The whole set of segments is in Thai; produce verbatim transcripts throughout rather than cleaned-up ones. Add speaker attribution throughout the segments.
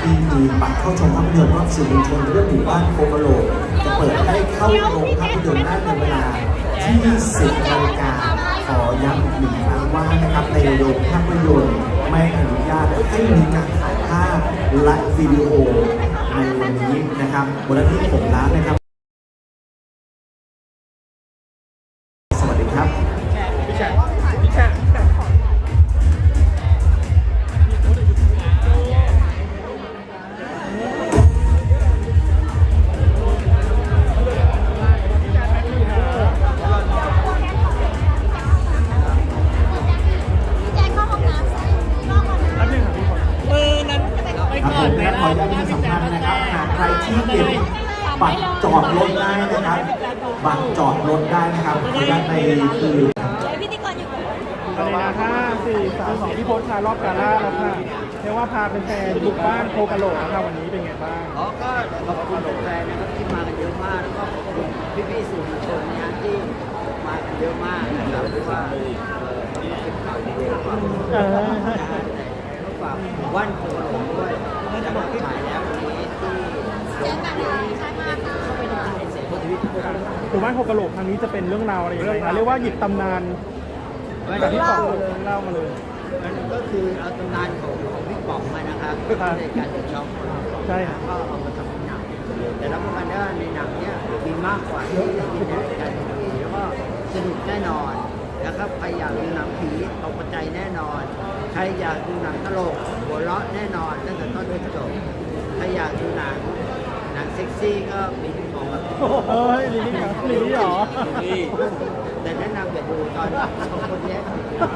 Speaker 1: ที่มีบัตรเข้าชมภาพยนตร์รอบสื่อมวลชนเรื่องหมู่บ้านโคกะโหลกจะเปิดให้เข้าโรงภาพยนตร์ได้ในเวลาที่สิบนาฬิกาขอย้ำอีกหนึ่งครั้งว่านะครับในโรงภาพยนตร์ไม่อนุญาตให้มีการถ่ายภาพและวิดีโอในวันนี้นะครับบนที่ผมร้านนะครับ สวัสดีครับพี่แฉะพี่แฉะขออนุญาตประชาสัมพันธ์นะครับหากใครที่เก็บบัตรจอดรถได้นะครับบัตรจอดรถได้นะครับขออนุญาตในคือ
Speaker 2: พิธีกรอยู่
Speaker 3: ตอนนี้นะห้าสี่สามสองพี่พศค่ะรอบกาล่าแล้วค่ะเรียกว่าพาเป็นแฟนบุกบ้านโคกะโหลกนะคะวันนี้เป็นไงบ้าง
Speaker 4: อ๋อก็ขอบคุณแฟนนะครับที่มากันเยอะมากแล้วก็ขอบคุณพี่ๆสื่อมวลชนนะฮะที่มากันเยอะมากนะครับเพราะว่าเป็นข่าวดีๆฝากฝากว่านโคกะโหลกด้วยจะมาฉายแล้ววันนี้ที่
Speaker 2: เจ๊กันเลยใช่มากค่ะ
Speaker 4: เข้าไปดูในเสียงโพธิวิทย์
Speaker 3: หมู่บ้านโคกะโหลกครั้งนี้จะเป็นเรื่องราวอะไรอย่างไรคะเรียกว่าหยิบตำนานจากที่บอกเลยเล่ามาเลย
Speaker 4: มันก็คือเอาตำนานของของพี่ป๋องมานะครับในการดูช่อง
Speaker 3: ใช่ครับ
Speaker 4: ก็เอามาทำเป็นหนังแต่รับประกันได้ในหนังเนี้ยมีมากกว่าที่ในการดูแล้วก็สนุกแน่นอนนะครับใครอยากดูหนังผีตกใจแน่นอนใครอยากดูหนังตลกหัวเราะแน่นอนตั้งแต่ต้นจนจบใครอยากดูหนังหนังเซ็กซี่ก็มีพี่ป๋องกับ
Speaker 3: เฮ้ยลิลี่ครับลิลี่หรอ
Speaker 4: แต่แนะนำอย่าดูตอนสองคนนี้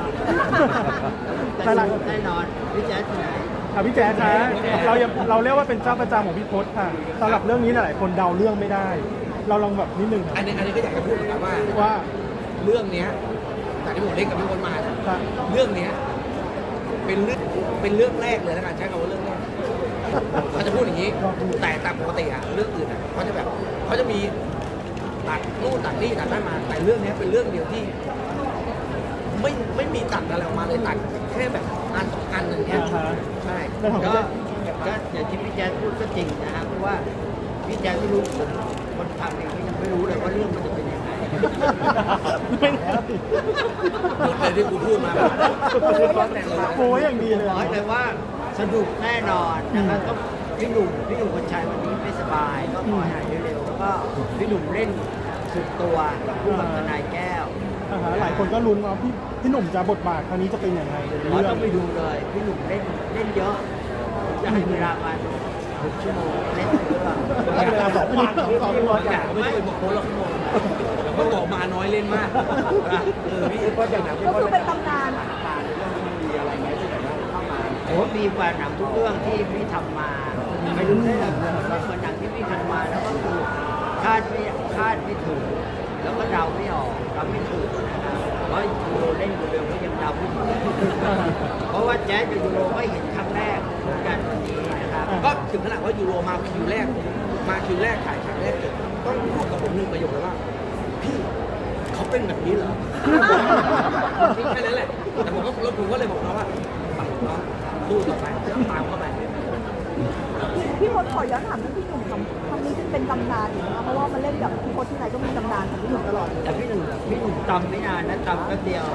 Speaker 4: แต่แน่นอนพี่แจ๊ดที่ไหน
Speaker 3: ค่ะพี่แจ๊ดคะเรายังเราเรียกว่าเป็นเจ้าประจำของพี่พศค่ะสำหรับเรื่องนี้หลายคนเดาเรื่องไม่ได้เราลองแบบนิดนึง
Speaker 5: อันนี้อันนี้ก็อยากจะพูดเหมือนกันว่า
Speaker 3: ว่า
Speaker 5: เรื่องนี้จากที่ผมเล่นกับพี่พศมาเรื่องนี้เป็นเรื่องเป็นเรื่องแรกเลยนะการใช้คำว่าเรื่องแรกเขาจะพูดอย่างนี้แต่ตามปกติอะเรื่องอื่นอะเขาจะแบบเขาจะมีตัดนู่นตัดนี่ตัดนั่นมาแต่เรื่องนี้เป็นเรื่องเดียวที่ไม่ไม่มีตัดอะไรออกมาเลยตัดแค่แบบอันสองอันอย่างเงี้ยใช่
Speaker 4: ก็ก็อย่างที่พี่แจ๊ดพูดก็จริงนะครับเพราะว่าพี่แจ๊ดไม่รู้ผมคนทำเองก็ยังไม่รู้เลยว่าเรื่องมันจะเป็นยังไง
Speaker 3: ไม่แล้ว
Speaker 5: หมดเลยที่กูพูดมา
Speaker 3: โอ้ยอย่างดีเลย
Speaker 4: บอกเลยว่าสนุกแน่นอนนะครับก็พี่หนุ่มพี่หนุ่มคนชัยวันนี้ไม่สบายก็ขอหายเร็วๆแล้วก็พี่หนุ่มเล่นสุดตัวคู่กับทนายแก้ว
Speaker 3: หลายคนก็ลุ้นว่าพี่พี่หนุ่มจะบทบาทครั้งนี้จะเป็นยังไง
Speaker 4: เราต้องไปดูเลยพี่หนุ่มเล่นเล่นเยอะจะให้เวลามาหกชั่วโมงเล่นเรื่อง
Speaker 3: เวลาสองวัน
Speaker 5: สองวันอย่างไม่เคยบอกโค้ชหรอกแต่ก็บอกมาน้อยเล่นมาก
Speaker 4: เออพี่ก็อย่างนั้น
Speaker 2: ก็คือเป็นตำนาน
Speaker 4: มีอะไรไหมที่แบบว่าเข้ามาโอ้มีกว่าหนังทุกเรื่องที่พี่ทำมาไม่รู้ได้หรอกเหมือนหนังที่พี่ทำมาแล้วก็คือคาดไม่คาดไม่ถูกแล้วก็เดาไม่ออกเดาไม่ถูกนะครับเพราะยูโรเล่นยูโรก็ยังเดาไม่ถูกเพราะว่าแจ๊สกับยูโรก็เห็นครั้งแรกเหมือนกันวันนี้นะครับ
Speaker 5: ก็ถึงขนาดว่ายูโรมาคิวแรกมาคิวแรกถ่ายฉากแรกเกิดต้องพูดกับผมหนึ่งประโยคเลยว่าพี่เขาเป็นแบบนี้เหรอแค่นั้นแหละแต่ผมก็แล้วผมก็เลยบอกเขาว่าปังน้องสู้ต่อไปตามเข้าไป
Speaker 2: พี่พศขอย้อนถามเรื่องพี่หนุ่มคำคำนี้จะเป็นตำนานอยู่นะคะเพราะว่ามันเล่นกับพี่พศที่ไหนก็มีตำนานของพี่หนุ่มตลอด
Speaker 4: แต่พี่หนุ่มพี่หนุ่มจำไม่นานนะจำแป๊บเดียว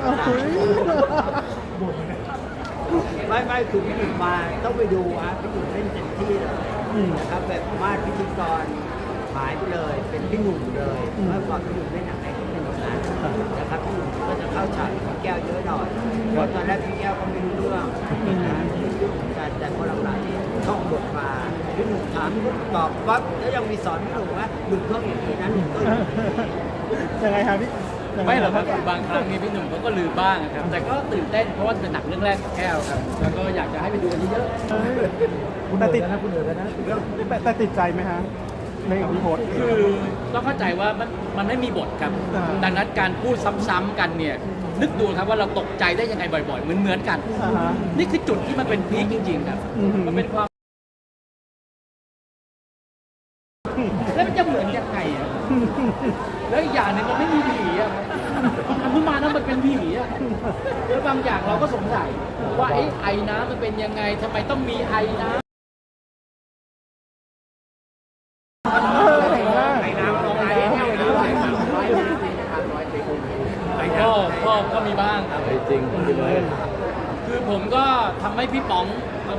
Speaker 4: ไม่ไม่คือพี่หนุ่มมาต้องไปดูฮะพี่หนุ่มเล่นเต็มที่เลยนะครับแบบมาดพิธีกรหายไปเลยเป็นพี่หนุ่มเลยเมื่อก่อนพี่หนุ่มเล่นหนังไหนก็เป็นอย่างนั้นนะครับพี่หนุ่มก็จะเข้าฉากพี่แก้วเยอะหน่อยเพราะตอนแรกพี่แก้วก็ไม่รู้เรื่องนะแต่แต่พอหลังๆที่ท่องบทมาพี่หนุ่มถามตอบปั๊บแล้วยังมีสอนพี่หนุ่มว่าหนุ่มต้องอย่างนี้นะหนุ่มต้องอย่างนี้
Speaker 3: ยังไงครับพี่
Speaker 6: ไม่หรอกครับบางครั้งนี่พี่หนุ่มเขาก็ลืมบ้างครับแต่ก็ตื่นเต้นเพราะว่าเป็นหนังเรื่องแรกของแก้วครับแล้วก็อยากจะให้ไปดูกันเยอะ
Speaker 3: ๆแต่ติดนะคุณเหนือแล้วนะแต่ติดใจไหมฮะในของพี่พศ
Speaker 6: คือต้องเข้าใจว่ามันมันไม่มีบทครับดังนั้นการพูดซ้ำๆกันเนี่ยนึกดูครับว่าเราตกใจได้ยังไงบ่อยๆเหมือนเหมือนกันนี่คือจุดที่มันเป็นพีคจริงๆครับมันเป็นความแล้วมันจะเหมือนยังไงอ่ะแล้วอีกอย่างนึงมันไม่มีผีอ่ะมันเพิ่งมาแล้วมันเป็นผีอ่ะแล้วบางอย่างเราก็สงสัยว่าไอ้ไอน้ำมันเป็นยังไงทำไมต้องมีไอน้ำ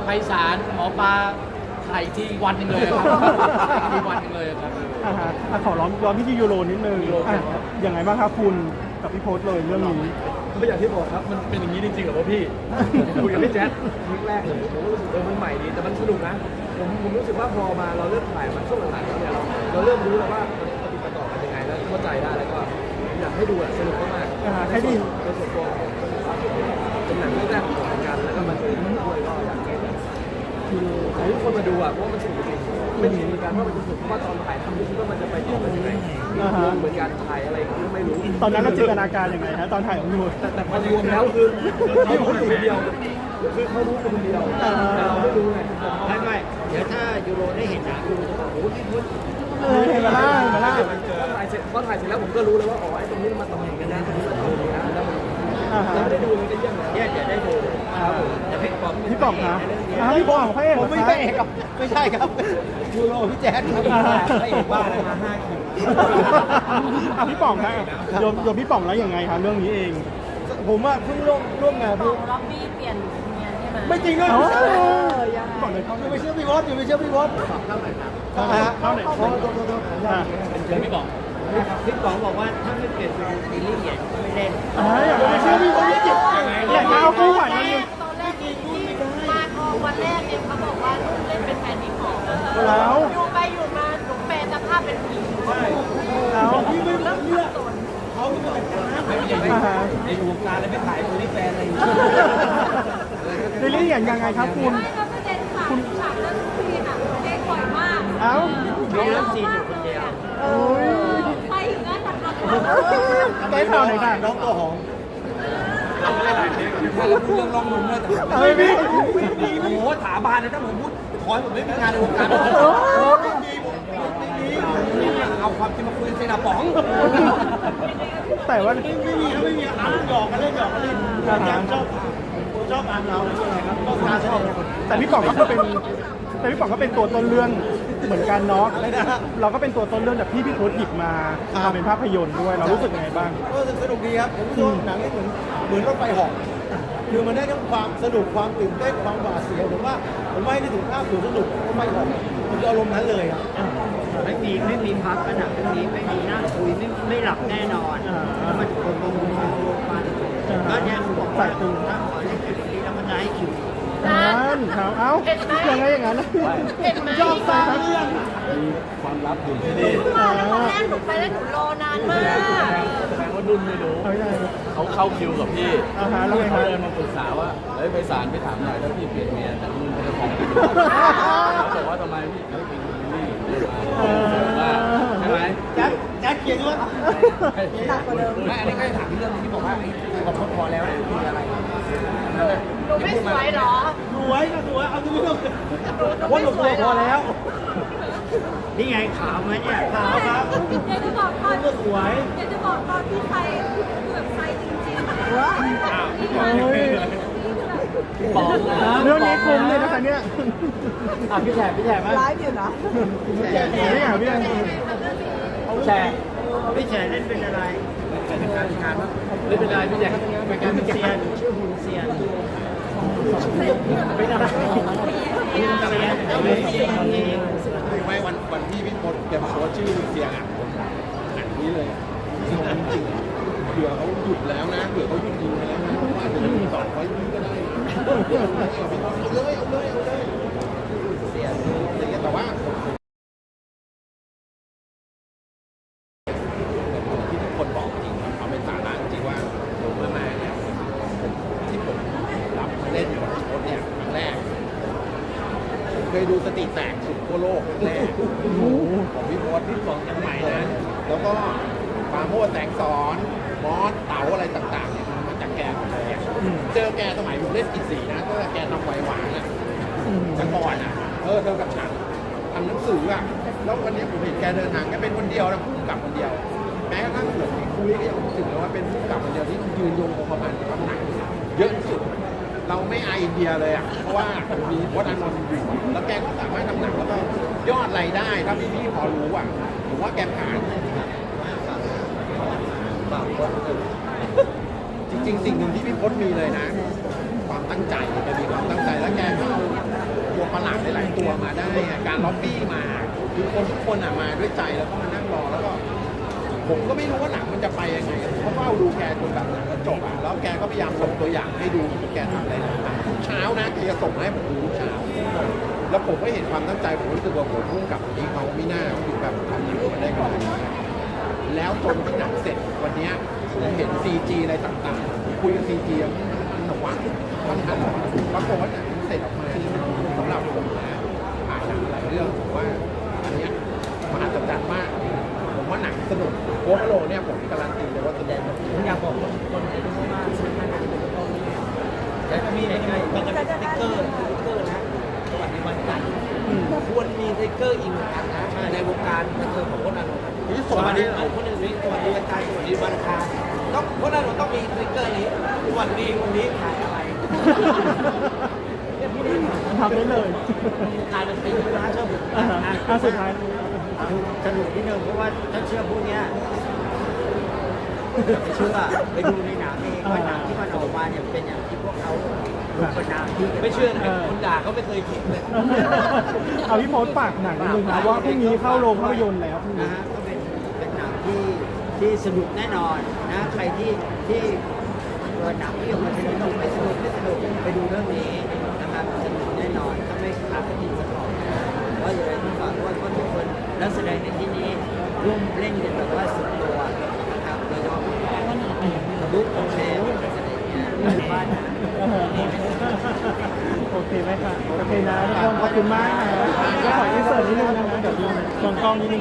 Speaker 6: ไพศาลหมอปลาถ่ายอีกทีวันหนึ่งเลยครับอีกทีวันหนึ่งเลยครับ
Speaker 3: อ่าฮะอ่ะขอร้องย้อนพี่ที่ยูโรนิดนึงอ่ะยังไงบ้างครับคุณกับพี่โพสเลยเรื่องนี้
Speaker 7: ก็อย่างที่บอกครับ มันเป็นอย่างนี้จริงๆเหรอวะพี่ คุยกับพี่แจ๊ดคลิปแรกเลยผมก็รู้สึกเออมันใหม่ดี แต่มันสนุกนะ ผมผมรู้สึกว่าพอมาเราเริ่มถ่ายมันช่วงหลังๆแล้วเนี่ยเราเราเริ่มรู้แล้วว่ามันปฏิบัติต่อกันยังไงแล้วเข้าใจได้แล้วก็อยากให้ดูอ่ะสนุกมากๆ
Speaker 3: อ่าให้ดี
Speaker 7: เป็นส่วนตัวของเป็นหนังเรื่องแรกของผมเหมือนกันแล้วก็มันเป็นด้วยก็อยากให้คือให้ทุกคนมาดูอ่ะเพราะว่ามันสนุกจริงๆไม่ถึงเหมือนกันว่ามันจะสนุกเพราะว่าตอนถ่ายทำไม่คิดว่ามันจะไปต่อกันยังไง
Speaker 3: อ่าฮะ
Speaker 7: เหมือนกันถ่ายอะไรก็ไม่รู้
Speaker 3: ตอนนั้นเราจินตนาการยังไงฮะตอนถ่ายของยู
Speaker 7: แต่แต่พอรวมแล้วคือเขารู้คนเดียว คือเขารู้คนเดียวแต่เราไม่รู้ไง
Speaker 4: ไม่ไม่เดี๋ยวถ้ายูโรได้เห็นหนังยูโรจะบอกโอ้โหพี่พุทธ
Speaker 3: เออเห็นมาล่าเห็นมาล่า
Speaker 7: พอถ่ายเสร็จพอถ่ายเสร็จแล้วผมก็รู้แล้วว่าอ๋อไอ้ตรงนี้มันต่ออย่างกันนะตรงนี้มันต่ออย่างกันนะแล้วมัน
Speaker 3: อ่าฮะ
Speaker 7: เราไม่ได้ดูมันก็เยี่ยมแล้ว
Speaker 4: เนี่ยจะได้ดู
Speaker 7: ครับผม
Speaker 4: แต่พี่ป๋อม
Speaker 3: พี่ป๋องคะอ้าวพี่ป๋องพระเอก
Speaker 4: ผมไม่ใช่เอกครับไม่ใช่ครับยูโรพี่แจ๊ดครับ
Speaker 3: อ่าฮะ
Speaker 4: พระเอกบ้าอะไรมาห้าคิว
Speaker 3: อ่ะพี่ป๋องครับโยมโยมพี่ป๋องแล้วยังไงครับเรื่องนี้เอง
Speaker 7: ผมว่าเพิ่งร่วมร่วมงาน
Speaker 8: ข
Speaker 7: เพิ่
Speaker 8: อง งล็อบบี้เปลี่ยนเมียใช่ไหม
Speaker 7: ไม่จริงเลย
Speaker 3: เอ้า
Speaker 7: พี่บอกเลยเขาไม่เชื่อพี่วอสอยู่ไม่เชื่อพี่วอสเข้าหน่อยครับ
Speaker 3: เข้าหน่อยเข้าหน่อย
Speaker 7: โทษโทษโทษโทษ
Speaker 3: อ่ะ
Speaker 6: เดี๋ยวพี่บอก
Speaker 4: พี่ป๋องบอกว่าถ้าไม่เปลี่ยนเป็นซีรีส์ใหญ่ก็ไม่เล่น
Speaker 3: อ่าอยากไปเชื่อพี่ป๋องจิตอยากจะเอาคู่หวานมาอยู่
Speaker 8: ตอนแรกที่มาพอวันแรกเนี่ยเขาบอกว่าลูกเล่นเป็นแฟนพี่ป๋อง
Speaker 3: แล้ว
Speaker 8: อยู่ไปอยู่มาหนูแปลสภาพเป็นผู้หญิง
Speaker 3: แล้ว
Speaker 7: พี่ไม่รู้เรื่องเขาไม่เป็นอย่างนั้น
Speaker 3: อ่าฮะ
Speaker 7: ในวงการเลยไม่ขายโอลิแฟนอะไรอย่าง
Speaker 3: ใน
Speaker 7: เงี้ย
Speaker 3: เรื่องอย่างยังไงครับคุณ
Speaker 8: ไม่ก็ประเด็นค่ะฉากเรื่องทุกทีค่ะเด็กบ่อยมาก
Speaker 3: เอ้า
Speaker 4: มีเรื่องซีนอยู่คนเดียว
Speaker 3: โอ้ย
Speaker 8: ไปถึงนั้นนะคะ
Speaker 3: ได้ข่าวหน่อยค่ะ
Speaker 7: น้องตัวหอม
Speaker 5: เราไม่ได้หลายเทปถ้าเราพูดเรื่องลองนุ่มเนี่ยแต่
Speaker 3: เอ้ยพี่
Speaker 5: โอ้โหถาบานเลยถ้าผมพูดขอให้ผมไม่มีงานในวงการเอาความจริงมาคุยเซนาป๋อง
Speaker 3: แต่ว่า
Speaker 7: ไม่มีไม่มีอ่านหยอกกันเล่นหยอกกันเล่นแจมชอบชอบอ่านเราอะไรครับก็การชอบ
Speaker 3: แต่พี่ป๋องก็คือเป็นแต่พี่ป๋องก็เป็นตัวต้นเรื่องเหมือนกันเนาะเราก็เป็นตัวต้นเรื่องจากที่พี่พุทธหยิบมาทำเป็นภาพยนตร์ด้วยเรารู้สึกยังไงบ้าง
Speaker 7: ก็สนุกดีครับผมรู้สึกว่าหนังนี่เหมือนเหมือนรถไฟเหาะคือมันได้ทั้งความสนุกความตื่นเต้นความหวาดเสียวผมว่าผมว่าให้ถึงภาพสวนสนุกรถไฟเหาะมันจะอารมณ์นั้นเลยครับ
Speaker 4: ไม่มีไม่มีพักขนาดนี้ไม่มีนั่งคุยไม่ไม่หลับแน่นอนแล้วมันคนลงลงลงมาก็เนี่ยผมบอกว่าถ้าขอให้คิวนี้แล้วมันจะให้คิว
Speaker 3: นั่นครับเอ้ายังไงอย่างนั้น
Speaker 8: เห็นไหม
Speaker 3: ชอบสร้างเรื่อง
Speaker 7: ความลับอยู่ที่
Speaker 8: เมื่อวานแล้วตอนแรกหนูไปแล้วหนูรอนานมาก
Speaker 7: แสดงว่านุ่นไม่รู้
Speaker 3: เอาไม่ได้
Speaker 9: เขาเข้าคิวกับพี่
Speaker 3: อ่าฮะแล้วไงค
Speaker 9: เขา
Speaker 3: รับ
Speaker 9: เดินมาปรึกษาว่าเฮ้ยไปศาลไปถามหน่อยถ้าพี่เปลี่ยนเมียแต่นุ่นเขาจะฟ้องพี่เขาบอกว่าทำไมพี่ไม่เป็นนี่ว่าใช่ไหม
Speaker 7: แจ๊คแจ๊คเขียนว่า
Speaker 3: หนักกว่าเดิม
Speaker 5: ไม่อันนี้ก็จะถามเรื่องที่บอกว่าไอ้ขอโทษพอแล้วเนี่ยคืออะไร
Speaker 8: หนูไม่สวยเหรอ
Speaker 7: สวยก็สวยเอาตัวนี้ก็
Speaker 8: หนู
Speaker 7: ว่า
Speaker 8: ไม่
Speaker 7: หลบ
Speaker 8: สวยเหร
Speaker 7: พ
Speaker 8: อ
Speaker 7: อแล้ว
Speaker 4: นี่ไงขาวไหมเนี่ย
Speaker 7: ขาวครับ
Speaker 8: อยากจะบอกตอน
Speaker 7: ก็สวย
Speaker 8: อยากจะบอกตอนที่ไฟคือแบบไฟจริงๆ
Speaker 3: ว้าเฮ้ย
Speaker 6: บอกนะ
Speaker 3: เรื่องนี้คุ้มเลยนะคะเนี่ย
Speaker 6: อ่ะพี่แฉพี่แฉไหม
Speaker 2: ไลฟ์อยู่นะ
Speaker 3: นี่อ่ะพี่แอน
Speaker 6: แฉ
Speaker 4: พี่เฉยเล่นเป็นอะไร
Speaker 5: เป็นการงานว่า
Speaker 6: ไม่เป็นไรพี่แฉเป็นการ
Speaker 4: เป็น
Speaker 6: เป็น
Speaker 4: เซีย
Speaker 6: การ
Speaker 4: นชื่อหุ่นเซียน
Speaker 6: ไม่ได้
Speaker 4: เซียนเอาเลยเซียนเอง
Speaker 5: คือไม่วันวันที่พี่พศแกมาโพสต์ชื่อเสียงอ่ะผมหนังนี้เลยจริงๆเผื่อเขาหยุดแล้วนะเผื่อเขาหยุดยิงไปแล้วนะว่าอาจจะมีต่อไว้ยิงก็ได้เอาเลยเอาเลยเอาเลยเสียอะไรเงี้ยแต่ว่าที่ทุกคนบอกจริงเอาเป็นสาระจริงว่าผมเมื่อมาเนี่ยที่ผมรับเล่นกับพี่พศเนี่ยครั้งแรกผมเคยดูสติแตกสุดทั่วโลกครั้งแรกของพี่พศที่ฟองยังใหม่นะแล้วก็ปราโมทแสงสอนมอสเต๋าอะไรต่างๆเนี่ยมันมาจากแกหมดเลยอะเจอแกสมัยผมเล่นกิจสีนะก็แกทำไวหวานอ่ะแต่ก่อนอ่ะเออเธอกับฉันทำหนังสืออ่ะแล้ววันนี้ผมเห็นแกเดินทางแกเป็นคนเดียวนะผู้กำกับคนเดียว แม้กระทั่งผมคุยก็ยังรู้สึกเลยว่าเป็นผู้กำกับคนเดียวที่ยืนยงคงกระพันกับหนังเยอะที่สุด เราไม่อายอินเดียเลยอ่ะเพราะว่ามีวัฒนานนท์อยู่แล้วแกก็สามารถทำหนังแล้วก็ยอดรายได้ถ้าพี่ๆพอรู้อ่ะผมว่าแกผ่านจริงๆ สิ่งหนึ่งที่พี่พจน์มีเลยนะ ความตั้งใจแกมีความตั้งใจแล้วแกก็เอา
Speaker 10: หลายๆตัวมาได้อะการล็อบบี้มาคือคนทุกคนอ่ะมาด้วยใจแล้วก็มานั่งรอแล้วก็ ผมก็ไม่รู้ว่าหนังมันจะไปยังไงผมก็เฝ้าดูแกจนแบบหนังก็จบอ่ะแล้วแกก็พยายามส่งตัวอย่างให้ดูแกทำอะไรต่างๆทุกเช้านะแกจะส่งมาให้ผมดูทุกเช้า แล้วผมก็เห็นความตั้งใจผมรู้สึกว่าผมพุ่งกับคนนี้เขาไม่น่าคือแบบทำหนังมาได้ขนาดนี้แล้วจนที่หนังเสร็จวันเนี้ยผมเห็น ซี จี อะไรต่างๆคุยกับ ซี จี มันหวังมันทันปรากฏว่าหนังเสร็จออกมาสำหรับผมนะผ่านหนังหลายเรื่องผมว่าอันเนี้ยมหัศจรรย์มากผมว่าหนังสนุกโค้ชโลเนี่ยผมการันตีเลยว่าสนุก
Speaker 4: ผมอยากบอกคนไทยทุกคนว่าซื้อมาหนังเป็นต้องมีแล้วก็มีในไงมันจะเป็นสติ๊กเกอร์สติ๊กเกอร์นะสวัสดีวันจันทร์ควรมีสติ๊กเกอร์อีกหนึ่งอันนะในวงการบันเทิงของคนนั้นสวัสดีคนหนึ่งนี้สวัสดีวันจันทร์สวัสดีวันอังคารต้องคนนั้นต้องมีสติ๊กเกอร์นี้สวัสดีวันนี้ขายอะไร
Speaker 3: ทำได้เลย
Speaker 4: กลายเป็นปีนะเชื่อผม
Speaker 3: อ่าอ่าสุดท้าย
Speaker 4: สนุกนิดนึงเพราะว่าถ้าเชื่อพวกเนี้ยไม่เชื่อไปดูในหนังเองว่าหนังที่มันออกมาเนี่ยเป็นอย่างที่พวกเขาเป็นนามที่ไม่เชื่อนะคนด่าเขาไม่เคยเห็นเลย
Speaker 3: เอาพี่โพสต์ฝากหนังนิดนึงนะว่าพรุ่งนี้เข้าโรงภาพยนตร์แล้วพรุ่ง
Speaker 4: นะ
Speaker 3: นี้
Speaker 4: ฮะก็เป็นเป็นหนังที่ที่สนุกแน่นอนนะใครที่ที่เออหนังที่ออกมาสนุกไม่สนุกไม่สนุกไปดูเรื่องนี้นะครับสนุกแน่นอนถ้าไม่ขาดสติกันออกนะก็อย่าลืมฝากว่าทุกคนนักแสดงในที่นี้ร่วมเล่นกันแบบว่าสุดตัวนะครับโดยเฉพาะบุ๊กโอเคอะไรอย่างเงี้ยบ้านนะ
Speaker 3: โอเคไหมคะโอเคนะทุกคนขอบคุณมากนะก็ขออินเสิร์ตนิดนึงนะคะเดี๋ยวดูมองกล้องนิดนึง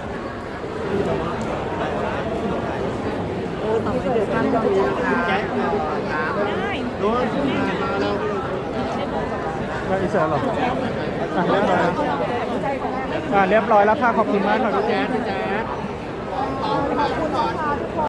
Speaker 2: เออต่อไปเดี๋ยวทำจะมีนะคะ
Speaker 4: แจ็คถาม
Speaker 2: โดน
Speaker 3: ก็อินเสิร์ตหรออ่ะเรียบร้อยแล้วอ่ะเรียบร้อยแล้วค่ะขอบคุณมากค่ะพี่แจ๊ดพี่แจ๊ด
Speaker 2: ขอบคุณนะคะทุกคน